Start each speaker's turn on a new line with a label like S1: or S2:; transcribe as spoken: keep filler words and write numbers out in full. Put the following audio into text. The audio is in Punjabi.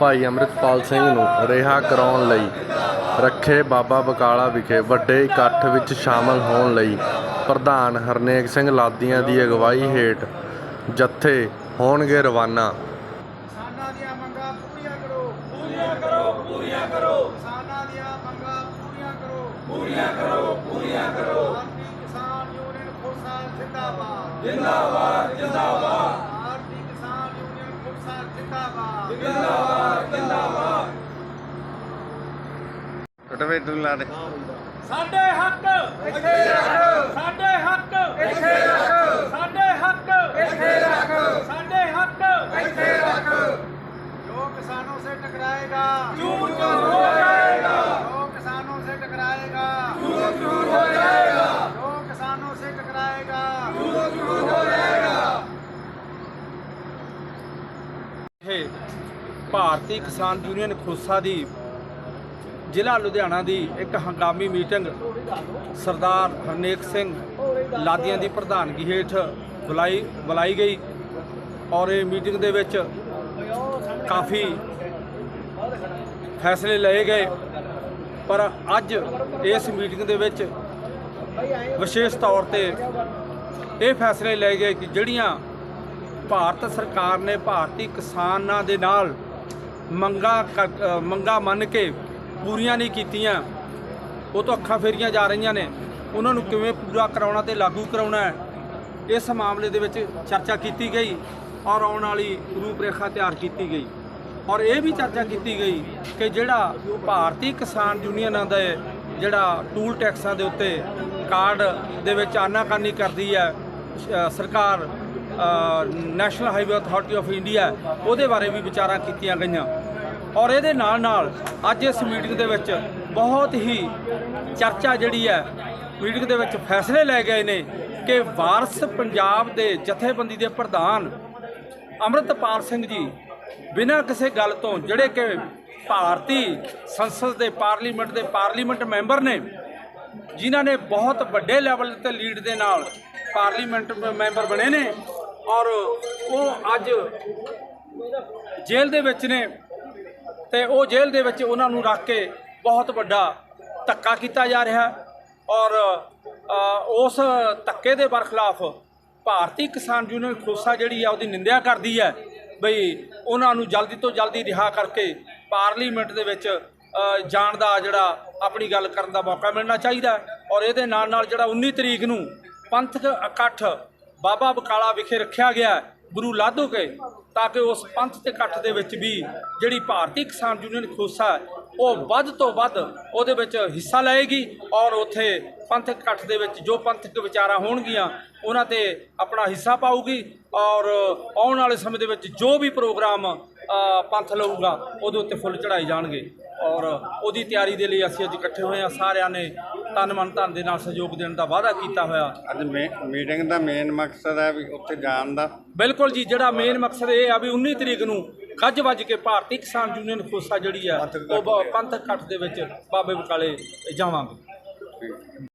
S1: ਭਾਈ ਅੰਮ੍ਰਿਤਪਾਲ ਸਿੰਘ ਨੂੰ ਰਿਹਾ ਕਰਾਉਣ ਲਈ ਰੱਖੇ ਬਾਬਾ ਬਕਾਲਾ ਵਿਖੇ ਵੱਡੇ ਇਕੱਠ ਵਿੱਚ ਸ਼ਾਮਲ ਹੋਣ ਲਈ ਪ੍ਰਧਾਨ ਹਰਨੇਕ ਸਿੰਘ ਲਾਦੀਆਂ ਦੀ ਅਗਵਾਈ ਹੇਠ ਜੱਥੇ ਹੋਣਗੇ ਰਵਾਨਾ।
S2: ਕਿਸਾਨਾਂ ਦੀਆਂ ਮੰਗਾਂ ਪੂਰੀਆਂ ਕਰੋ ਪੂਰੀਆਂ ਕਰੋ ਪੂਰੀਆਂ ਕਰੋ ਕਿਸਾਨਾਂ ਦੀਆਂ ਮੰਗਾਂ ਪੂਰੀਆਂ ਕਰੋ ਪੂਰੀਆਂ ਕਰੋ ਪੂਰੀਆਂ ਕਰੋ ਭਾਰਤੀ ਕਿਸਾਨ ਯੂਨੀਅਨ ਖੋਸਾ ਜ਼ਿੰਦਾਬਾਦ ਜ਼ਿੰਦਾਬਾਦ ਜ਼ਿੰਦਾਬਾਦ ਭਾਰਤੀ ਕਿਸਾਨ ਯੂਨੀਅਨ ਖੋਸਾ ਜ਼ਿੰਦਾਬਾਦ ਜ਼ਿੰਦਾਬਾਦ ਜ਼ਿੰਦਾਬਾਦ।
S1: ਕਟਵੇ ਤੂੰ ਲਾ ਦੇ।
S2: ਸਾਡੇ ਹੱਕ ਇੱਥੇ ਰੱਖ ਸਾਡੇ ਹੱਕ ਇੱਥੇ ਰੱਖ ਸਾਡੇ ਹੱਕ ਇੱਥੇ ਰੱਖ ਸਾਡੇ ਹੱਕ ਇੱਥੇ ਰੱਖ। जो किसानों से टकराएगा चूर चूर हो जाएगा। जो किसानों से टकराएगा चूर चूर हो जाएगा। जो किसानों से टकराएगा चूर चूर हो जाएगा।
S3: ਭਾਰਤੀ ਕਿਸਾਨ ਯੂਨੀਅਨ ਖੋਸਾ ਦੀ ਜ਼ਿਲ੍ਹਾ ਲੁਧਿਆਣਾ ਦੀ ਇੱਕ ਹੰਗਾਮੀ ਮੀਟਿੰਗ ਸਰਦਾਰ ਹਰਨੇਕ ਸਿੰਘ ਲਾਦੀਆਂ ਦੀ ਪ੍ਰਧਾਨਗੀ ਹੇਠ ਬੁਲਾਈ ਬੁਲਾਈ ਗਈ ਔਰ ਇਹ ਮੀਟਿੰਗ ਦੇ ਵਿੱਚ ਕਾਫੀ ਫੈਸਲੇ ਲਏ ਗਏ। ਪਰ ਅੱਜ ਇਸ ਮੀਟਿੰਗ ਦੇ ਵਿੱਚ ਵਿਸ਼ੇਸ਼ ਤੌਰ ਤੇ ਇਹ ਫੈਸਲੇ ਲਏ ਗਏ ਕਿ ਜਿਹੜੀਆਂ ਭਾਰਤ ਸਰਕਾਰ ਨੇ ਭਾਰਤੀ ਕਿਸਾਨਾਂ ਦੇ ਨਾਲ ਮੰਗਾਂ ਮੰਗਾਂ ਮੰਨ ਕੇ ਪੂਰੀਆਂ ਨਹੀਂ ਕੀਤੀਆਂ, ਉਹ ਤੋਂ ਅੱਖਾਂ ਫੇਰੀਆਂ ਜਾ ਰਹੀਆਂ ਨੇ, ਉਹਨਾਂ ਨੂੰ ਕਿਵੇਂ ਪੂਰਾ ਕਰਾਉਣਾ ਤੇ ਲਾਗੂ ਕਰਾਉਣਾ ਹੈ, ਇਸ ਮਾਮਲੇ ਦੇ ਵਿੱਚ ਚਰਚਾ ਕੀਤੀ ਗਈ ਔਰ ਆਉਣ ਵਾਲੀ ਰੂਪਰੇਖਾ ਤਿਆਰ ਕੀਤੀ ਗਈ। ਔਰ ਇਹ ਵੀ ਚਰਚਾ ਕੀਤੀ ਗਈ ਕਿ ਜਿਹੜਾ ਭਾਰਤੀ ਕਿਸਾਨ ਯੂਨੀਅਨਾਂ ਦਾ ਜਿਹੜਾ ਟੂਲ ਟੈਕਸਾਂ ਦੇ ਉੱਤੇ ਕਾਰਡ ਦੇ ਵਿੱਚ ਆਨਾਕਾਨੀ ਕਰਦੀ ਹੈ ਸਰਕਾਰ National Highway Authority of India, ਉਹਦੇ ਬਾਰੇ ਵੀ ਵਿਚਾਰਾਂ ਕੀਤੀਆਂ ਗਈਆਂ। ਔਰ ਇਹਦੇ ਨਾਲ ਨਾਲ ਅੱਜ ਇਸ ਮੀਟਿੰਗ ਦੇ ਵਿੱਚ ਬਹੁਤ ਹੀ ਚਰਚਾ ਜਿਹੜੀ ਹੈ ਮੀਟਿੰਗ ਦੇ ਵਿੱਚ ਫੈਸਲੇ ਲਏ ਗਏ ਨੇ ਕਿ ਵਾਰਸ ਪੰਜਾਬ ਦੇ ਜਥੇਬੰਦੀ ਦੇ ਪ੍ਰਧਾਨ ਅੰਮ੍ਰਿਤਪਾਲ ਸਿੰਘ ਜੀ ਬਿਨਾਂ ਕਿਸੇ ਗੱਲ ਤੋਂ, ਜਿਹੜੇ ਕਿ ਭਾਰਤੀ ਸੰਸਦ ਦੇ ਪਾਰਲੀਮੈਂਟ ਦੇ ਪਾਰਲੀਮੈਂਟ ਮੈਂਬਰ ਨੇ, ਜਿਨ੍ਹਾਂ ਨੇ ਬਹੁਤ ਵੱਡੇ ਲੈਵਲ ਤੇ ਲੀਡ ਦੇ ਨਾਲ ਪਾਰਲੀਮੈਂਟ ਮੈਂਬਰ ਬਣੇ ਨੇ ਔਰ ਉਹ ਅੱਜ ਜੇਲ੍ਹ ਦੇ ਵਿੱਚ ਨੇ ਤੇ ਉਹ ਜੇਲ੍ਹ ਦੇ ਵਿੱਚ ਉਹਨਾਂ ਨੂੰ ਰੱਖ ਕੇ ਬਹੁਤ ਵੱਡਾ ਧੱਕਾ ਕੀਤਾ ਜਾ ਰਿਹਾ ਔਰ ਉਸ ਧੱਕੇ ਦੇ ਬਰਖਲਾਫ ਭਾਰਤੀ ਕਿਸਾਨ ਯੂਨੀਅਨ ਖੋਸਾ ਜਿਹੜੀ ਆ ਉਹਦੀ ਨਿੰਦਿਆ ਕਰਦੀ ਹੈ ਬਈ ਉਹਨਾਂ ਨੂੰ ਜਲਦੀ ਤੋਂ ਜਲਦੀ ਰਿਹਾ ਕਰਕੇ ਪਾਰਲੀਮੈਂਟ ਦੇ ਵਿੱਚ ਜਾਣ ਦਾ ਜਿਹੜਾ ਆਪਣੀ ਗੱਲ ਕਰਨ ਦਾ ਮੌਕਾ ਮਿਲਣਾ ਚਾਹੀਦਾ। ਔਰ ਇਹਦੇ ਨਾਲ ਨਾਲ ਜਿਹੜਾ ਉੱਨੀ ਤਰੀਕ ਨੂੰ ਪੰਥਕ ਇਕੱਠ ਬਾਬਾ ਬਕਾਲਾ ਵਿਖੇ ਰੱਖਿਆ ਗਿਆ ਗੁਰੂ ਲਾਧੂ ਕੇ, ਤਾਂ ਕਿ ਉਸ ਪੰਥ ਦੇ ਇਕੱਠ ਦੇ ਵਿੱਚ ਵੀ ਜਿਹੜੀ ਭਾਰਤੀ ਕਿਸਾਨ ਯੂਨੀਅਨ ਖੋਸਾ ਉਹ ਵੱਧ ਤੋਂ ਵੱਧ ਉਹਦੇ ਵਿੱਚ ਹਿੱਸਾ ਲਏਗੀ ਔਰ ਉੱਥੇ ਪੰਥਕ ਇਕੱਠ ਦੇ ਵਿੱਚ ਜੋ ਪੰਥਕ ਵਿਚਾਰਾਂ ਹੋਣਗੀਆਂ ਉਹਨਾਂ ਤੇ ਆਪਣਾ ਹਿੱਸਾ ਪਾਊਗੀ ਔਰ ਆਉਣ ਵਾਲੇ ਸਮੇਂ ਦੇ ਵਿੱਚ ਜੋ ਵੀ ਪ੍ਰੋਗਰਾਮ ਪੰਥ ਲਊਗਾ ਉਹਦੇ ਉੱਤੇ ਫੁੱਲ ਚੜਾਏ ਜਾਣਗੇ। ਔਰ ਉਹਦੀ ਤਿਆਰੀ ਦੇ ਲਈ ਅਸੀਂ ਅੱਜ ਇਕੱਠੇ ਹੋਏ ਹਾਂ। ਸਾਰਿਆਂ ਨੇ ਤਨ ਮਨ ਧਨ ਦੇ ਨਾਲ ਸਹਿਯੋਗ ਦੇਣ ਦਾ ਵਾਅਦਾ ਕੀਤਾ ਹੋਇਆ।
S1: ਅੱਜ ਮੀਟਿੰਗ ਦਾ ਮੇਨ ਮਕਸਦ ਹੈ ਵੀ ਉੱਥੇ ਜਾਣ ਦਾ।
S3: ਬਿਲਕੁਲ ਜੀ, ਜਿਹੜਾ ਮੇਨ ਮਕਸਦ ਇਹ ਆ ਵੀ ਉੱਨੀ ਤਰੀਕ ਨੂੰ ਗੱਜ ਵੱਜ ਕੇ ਭਾਰਤੀ ਕਿਸਾਨ ਯੂਨੀਅਨ ਖੋਸਾ ਜਿਹੜੀ ਆ ਉਹ ਪੰਥਕ ਇਕੱਠ ਦੇ ਵਿੱਚ ਬਾਬੇ ਬਕਾਲੇ ਜਾਵਾਂਗੇ।